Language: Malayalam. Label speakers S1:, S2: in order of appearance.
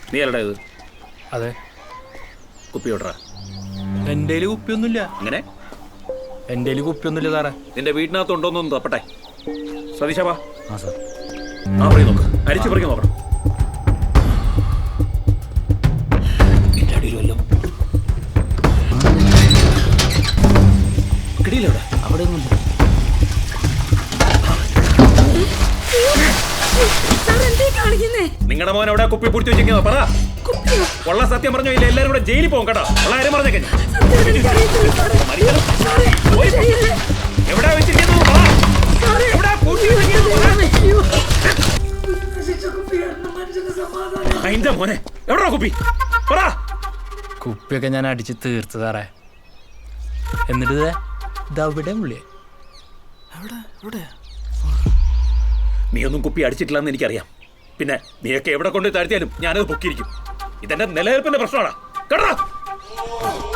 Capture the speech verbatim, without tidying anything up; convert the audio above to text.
S1: നീ അല്ലടാ ഇത്?
S2: അതെ.
S1: കുപ്പി വിടറാ.
S2: എൻ്റെ കയ്യിൽ കുപ്പിയൊന്നുമില്ല.
S1: അങ്ങനെ
S2: എൻ്റെ കയ്യിൽ കുപ്പിയൊന്നുമില്ല സാറേ.
S1: നിന്റെ വീട്ടിനകത്ത് ഉണ്ടോന്നൊന്ന് തപ്പട്ടെ. സതീശാ വാ.
S2: ആ സാർ.
S1: ആ പറയും നോക്ക്, അരിച്ചു പറിക്കും നോക്കണം. കിടിയില്ല അവിടെ ഒന്നും. നിങ്ങളുടെ മോൻ എവിടെ കുപ്പി പിടിച്ചു വെച്ചിരിക്കുന്നോ പറ. ഉള്ള സത്യം പറഞ്ഞോ ഇല്ല എല്ലാരും കൂടെ ജയിലിൽ പോകും കേട്ടോ. ഉള്ള കാര്യം പറഞ്ഞേക്കെ. എവിടെ വെച്ചിരിക്കുന്നു അതിന്റെ മോനെ എവിടാ കുപ്പി പറ.
S2: കുപ്പിയൊക്കെ ഞാൻ അടിച്ച് തീർത്ത് സാറേ. എന്നിട്ട് ഇതവിടെ ഉള്ളിയെ.
S1: നീ ഒന്നും കുപ്പി അടിച്ചിട്ടില്ലെന്ന് എനിക്കറിയാം. പിന്നെ നീയൊക്കെ എവിടെ കൊണ്ട് താഴ്ത്തിയാലും ഞാനത് പൊക്കിയിരിക്കും. ഇതെന്റെ നിലനിൽപ്പിന്റെ പ്രശ്നമാണ് കേട്ടോ.